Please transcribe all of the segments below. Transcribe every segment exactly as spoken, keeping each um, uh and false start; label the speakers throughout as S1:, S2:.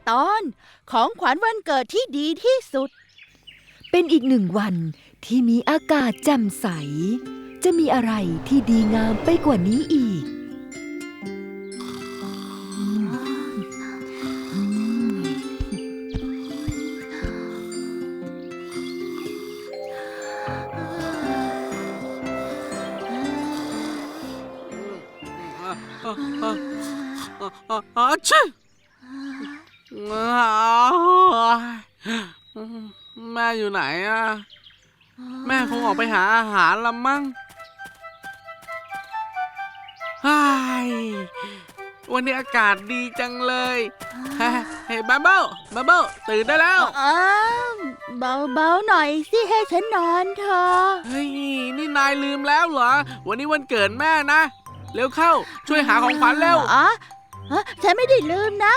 S1: ตอนของขวัญวันเกิดที่ดีที่สุด
S2: เป็นอีกหนึ่งวันที่มีอากาศแจ่มใสจะมีอะไรที่ดีงามไปกว่านี้อีก
S3: อาชิแม่อยู่ไหนอะแม่คงออกไปหาอาหารละมั้งวันนี้อากาศดีจังเลยเฮ้ยบับเบิ้ลบับเบิ้ลตื่นได้แล้ว
S1: เบาๆหน่อยสิให้ฉันนอนเถอะ
S3: เฮ้ยนี่นายลืมแล้วเหรอวันนี้วันเกิดแม่นะเร็วเข้าช่วยหาของขวัญเร็ว
S1: อ๋อฉันไม่ได้ลืมนะ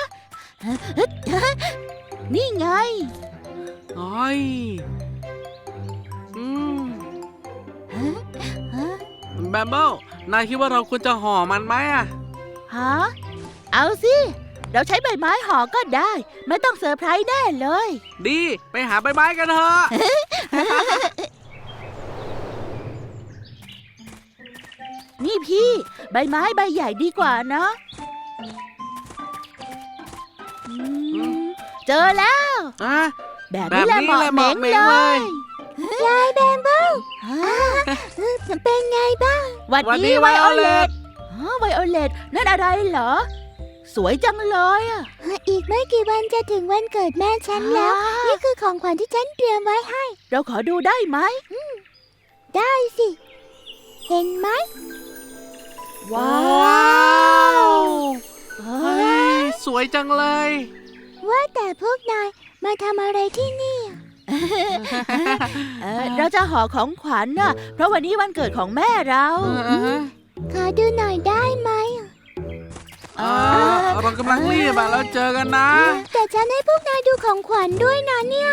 S1: นี่ไง
S3: โอ้ยอืมแบมเบิลนายคิดว่าเราควรจะห่อมันไหมอะ
S1: ฮะเอาสิเราใช้ใบไม้ห่อก็ได้ไม่ต้องเซอร์ไพรส์แน่เลย
S3: ดีไปหาใบไม้กันเถอะ
S1: นี่พี่ใบไม้ใบใหญ่ดีกว่านะเจอแล้วแบบนี้แหละเหมาะเหม็งเลย
S4: ยายแบมเบิลเป็นไงบ้าง
S1: หวัดดีไวโอเลตไวโอเลตนั่นอะไรเหรอสวยจังเลยอ่ะ
S4: อีกไม่กี่วันจะถึงวันเกิดแม่ฉันแล้วนี่คือของขวัญที่ฉันเตรียมไว้ให้
S1: เราขอดูได้ไหม
S4: ได้สิเห็นไหม
S3: ว้าวสวยจังเลย
S4: ว่าแต่พวกนายมาทำอะไรที่นี่
S1: เราจะห่อของขวัญน่ะเพราะวันนี้วันเกิดของแม่เรา
S4: ขอดูหน่อยได้ไหม
S3: เรากำลังรีบอะแล้วเจอกันนะ
S4: แต่ฉันให้พวกนายดูของขวัญด้วยนะเนี่ย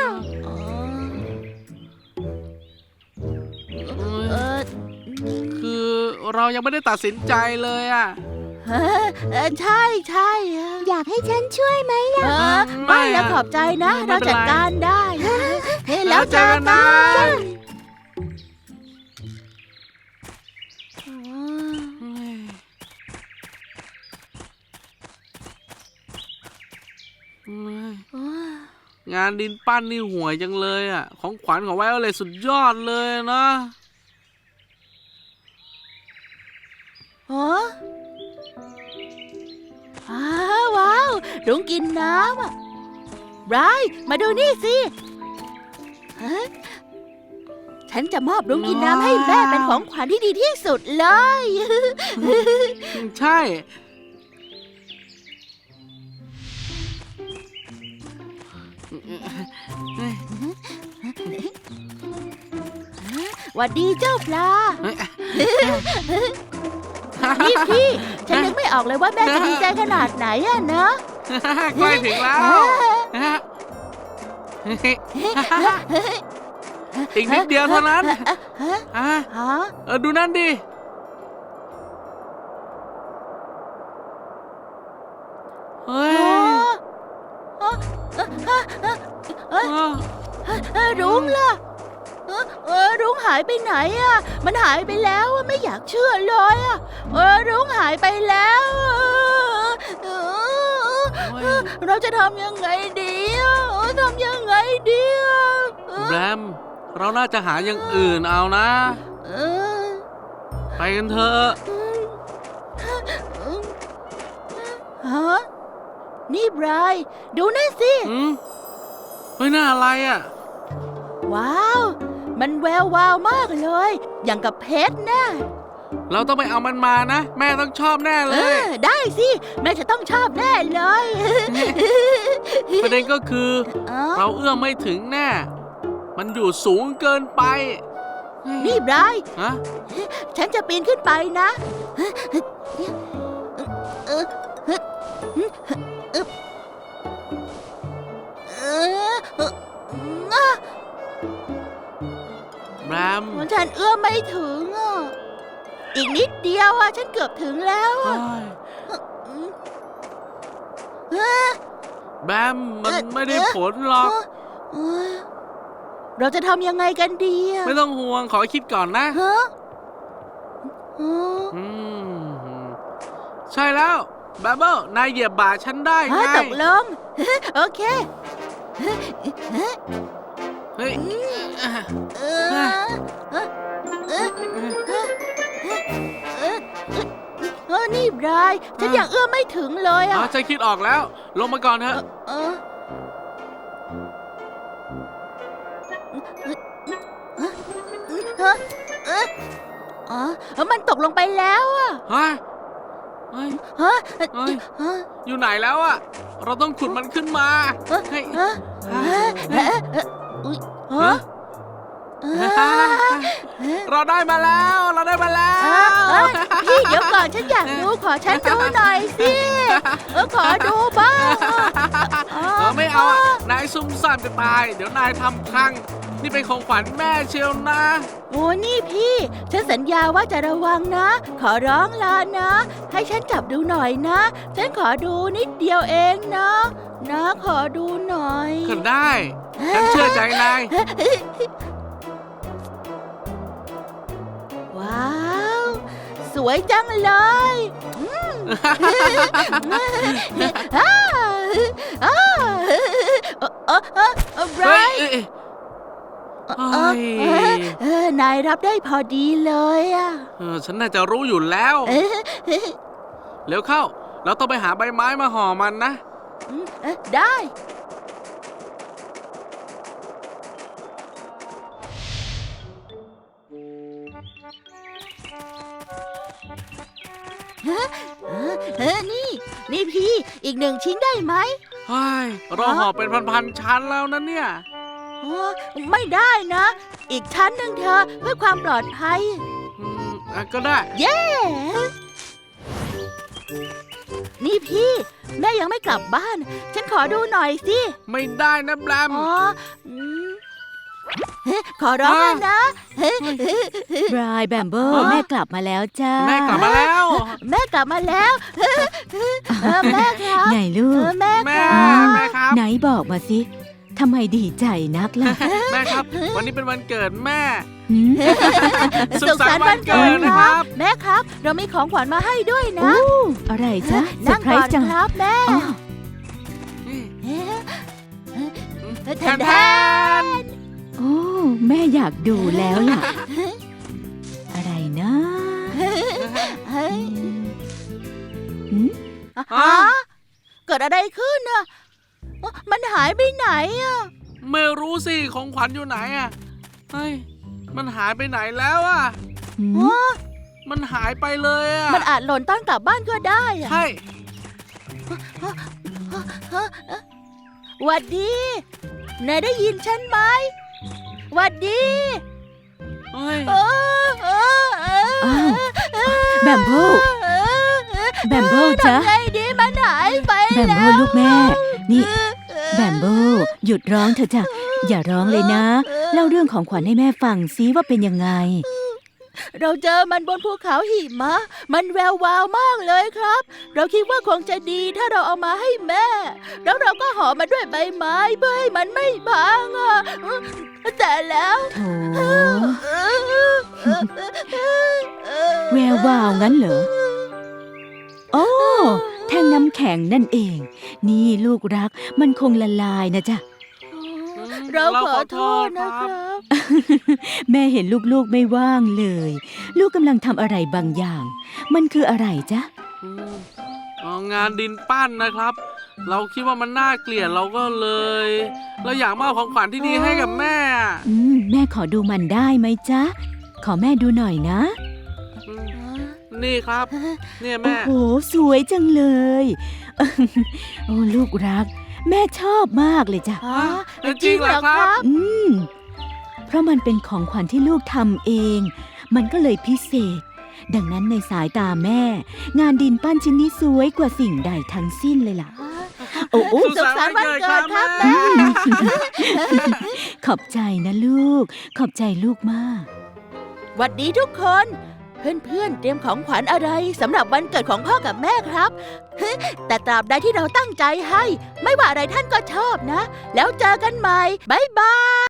S3: คือเรายังไม่ได้ตัดสินใจเลยอะ
S1: ใช่ใช่
S4: อยากให้ฉันช่วยไหมล่ะ
S1: ไม่แล้วขอบใจนะเราจัดการได้
S3: แล้วเจอกันนะงานดินปั้นนี่ห่วยจังเลยอ่ะของขวัญของไวโอเลตสุดยอดเลยนะ
S1: ฮะว้าวรุ้งกินน้ำอ่ะไบรท์มาดูนี่สิฉันจะมอบรุ้งกินน้ำให้แม่เป็นของขวัญที่ดีที่สุดเลย
S3: ใช่
S1: หวัดดีเจ้าปลานี่พี่ฉันนึกไม่ออกเลยว่าแม่จะดีใจขนาดไหนอะเนอะ
S3: ใกล้ถึงแล้วอีกนิดเดียวเท่านั้นเออดูนั่นดิเฮ้ย
S1: รุ้งล่ะเออรุ้งหายไปไหนอ่ะมันหายไปแล้วไม่อยากเชื่อเลยอ่ะเออรุ้งหายไปแล้วเราจะทำยังไงดีทำยังไงดี
S3: แบมเราน่าจะหาอย่างอื่นเอานะไปกันเถอะ
S1: ฮะนี่ไบรท์ดูนั่นสิ
S3: เฮ้ยน่าอะไรอ่ะ
S1: ว้าวมันแวววาวมากเลยอย่างกับเพชรนะ
S3: เราต้องไปเอามันมานะแม่ต้องชอบแน่เลย
S1: ได้สิแม่จะต้องชอบแน่เลย
S3: ประเด็นก็คือเราเอื้อมไม่ถึงแน่มันอยู่สูงเกินไป
S1: นี่ไบรท์ฉันจะปีนขึ้นไปนะ
S3: แบม
S1: ฉันเอื้อมไม่ถึงอ่ะอีกนิดเดียวอ่ะฉันเกือบถึงแล้วอ่ะ
S3: แแบมมันไม่ได้ผลหรอก
S1: เอ้ยเราจะทำยังไงกันดีอะ
S3: ไม่ต้องห่วงขอคิดก่อนนะ
S1: ฮะฮะ
S3: อืมใช่แล้วแบมเบิลนายเหยียบบ่าฉันได้ไง
S1: ฮะตกลง โอเค
S3: เฮ้ย
S1: เออเออเออเออเออนี่บรายฉันยังเอื้อมไม่ถึงเลย
S3: อ๋อ
S1: อ่ะ
S3: ฉันคิดออกแล้ว ลงมาก่อนเถอะ
S1: เออเออเอออ๋อมันตกลงไปแล้วอ่ะ
S3: เฮ้ยเฮ้ย
S1: ฮะ
S3: เฮ้ย
S1: ฮะ
S3: อยู่ไหนแล้วอะเราต้องขุดมันขึ้นมา
S1: เออ
S3: เฮ้ย
S1: ฮะเออเออเอออุ๊ยฮะเออ
S3: เราได้มาแล้ว เราได้มาแล้
S1: เอ้
S3: ว
S1: ยพี่เดี๋ยวก่อนฉันอยากดูขอฉันดูหน่อยสิเออขอดูบ้าง
S3: เออไม่เอาอะนายซุ่มซ่ามจะตาย เดี๋ยวนายทำพัง นี่เป็นของขวัญแม่เชียวนะ
S1: โอ้นี่พี่ ฉันสัญญาว่าจะระวังนะ ขอร้องลานะ ให้ฉันจับดูหน่อยนะ ฉันขอดูนิดเดียวเองนะ นะขอดูหน่อย
S3: ก็ได้ ฉันเชื่อใจนาย
S1: ว้าว สวยจังเลยอืมอ้าอ้าเออเออเออเออไบร
S3: เฮ้ย
S1: ท์
S3: เอ้ย
S1: เออเออเออนายรับได้พอดีเลยอ่ะ
S3: เออฉันน่าจะรู้อยู่แล้ว
S1: เออ
S3: เร็วเข้า เราต้องไปหาใบไม้มาห่อมันนะ
S1: เออได้เออเออนี่ นี่พี่ อีกหนึ่งชิ้นได้ไหม
S3: เฮ้ยเราห่อเป็นพันๆชั้นแล้วนะเนี่ย
S1: อ๋อไม่ได้นะ อีกชั้นหนึ่งเธอะเพื่อความปลอดภัย
S3: อืมอ่ะก็ได้
S1: เย้ นี่พี่ แม่ยังไม่กลับบ้าน ฉันขอดูหน่อยสิ
S3: ไม่ได้นะแบม
S1: อ๋ออืมเฮ้ขอร้องแล้วนะเฮ้
S2: บรายแบมเบิล
S3: ฮะ
S2: แม่กลับมาแล้วจ้า
S3: แม่กลับมาแล้ว
S1: แม่กลับมาแล้วเออแม่ครับ
S2: ไงลู
S1: เอก อแม่
S3: แม่
S1: ครับ
S3: แม่ครับ
S2: ไหนบอกมาสิทำไมดีใจนักล่ะ
S3: แม่ครับ วันนี้เป็นวันเกิดแม่
S2: หืม
S3: สุขสันต์วันเกิดนะครับ
S1: แม่ครับ เรามีของขวัญมาให้ด้วยนะ
S2: อู้อะไรจ๊ะเซอ
S1: นั่ง
S2: ร์ไพร
S1: ก่อน
S2: ส์จัง
S1: ครับแม่
S2: อ๋อ
S1: เอ๊ะ
S3: แทนแทน
S2: โอ้แม่อยากดูแล้วล่ะ อะไรนะ
S1: เฮ้ย
S2: หืม
S1: ฮะเกิดอะไรขึ้นน่ะมันหายไปไหนอ่ะ
S3: ไม่รู้สิของขวัญอยู่ไหนอ่ะเฮ้ยมันหายไปไหนแล้วอ่ะ
S2: หืม
S1: ฮะ
S3: มันหายไปเลยอ่ะ
S1: มันอาจหล่นตอนกลับบ้านก็ได้อะ
S3: ใช่
S1: หวัดดีนายได้ยินฉันไหมหวัดดี
S3: เฮ้ย
S1: เออเออเออ
S2: อ้าวแบมเบิล แบมเบิลจ๊ะ
S1: ทำไงดีมันหายไป
S2: แบม
S1: แล้
S2: เบิ
S1: ว
S2: ลลูกแม่ นี่ แบมเบิลหยุดร้องเถอะจ้ะอย่าร้องเลยนะ เล่าเรื่องของขวัญให้แม่ฟังซิว่าเป็นยังไง
S1: เราเจอมันบนภูเขาหิมะ มันแวววาวมากเลยครับ เราคิดว่าคงจะดีถ้าเราเอามาให้แม่ แล้วเราก็ห่อมันด้วยใบไม้เพื่อให้มันไม่พังอ่ะแต่แล้ว
S2: โถ แวววาวงั้นเหรอ โอ้ แท่งน้ำแข็งนั่นเอง นี่ลูกรักมันคงละลายนะจ๊ะ
S1: เราขอโทษนะครับ
S2: แม่เห็นลูกๆไม่ว่างเลย ลูกกำลังทำอะไรบางอย่าง มันคืออะไรจ๊ะ
S3: อืมอ๋องานดินปั้นนะครับ เราคิดว่ามันน่าเกลียดเราก็เลย เราอยากมอบของขวัญที่ดีให้กับแม่อะ
S2: อืม แม่ขอดูมันได้ไหมจ๊ะ ขอแม่ดูหน่อยนะ
S3: อืมนี่ครับ เนี่ย
S2: โอ้
S3: แม่
S2: โห สวยจังเลย โอ้ ลูกรัก แม่ชอบมากเลยจ้ะ
S1: อ๋อ
S3: จริงเหรอครับ
S2: อืม เพราะมันเป็นของขวัญที่ลูกทำเอง มันก็เลยพิเศษ ดังนั้นในสายตาแม่ งานดินปั้นชิ้นนี้สวยกว่าสิ่งใดทั้งสิ้นเลยล่ะ โอ้โอ้
S1: สุขสันต์วันเกิดครับแม่
S2: ขอบใจนะลูก ขอบใจลูกมาก
S1: หวัดดีทุกคนเพื่อนๆเตรียมของขวัญอะไรสำหรับวันเกิดของพ่อกับแม่ครับ แต่ตราบใดที่เราตั้งใจให้ ไม่ว่าอะไรท่านก็ชอบนะ แล้วเจอกันใหม่บ๊ายบาย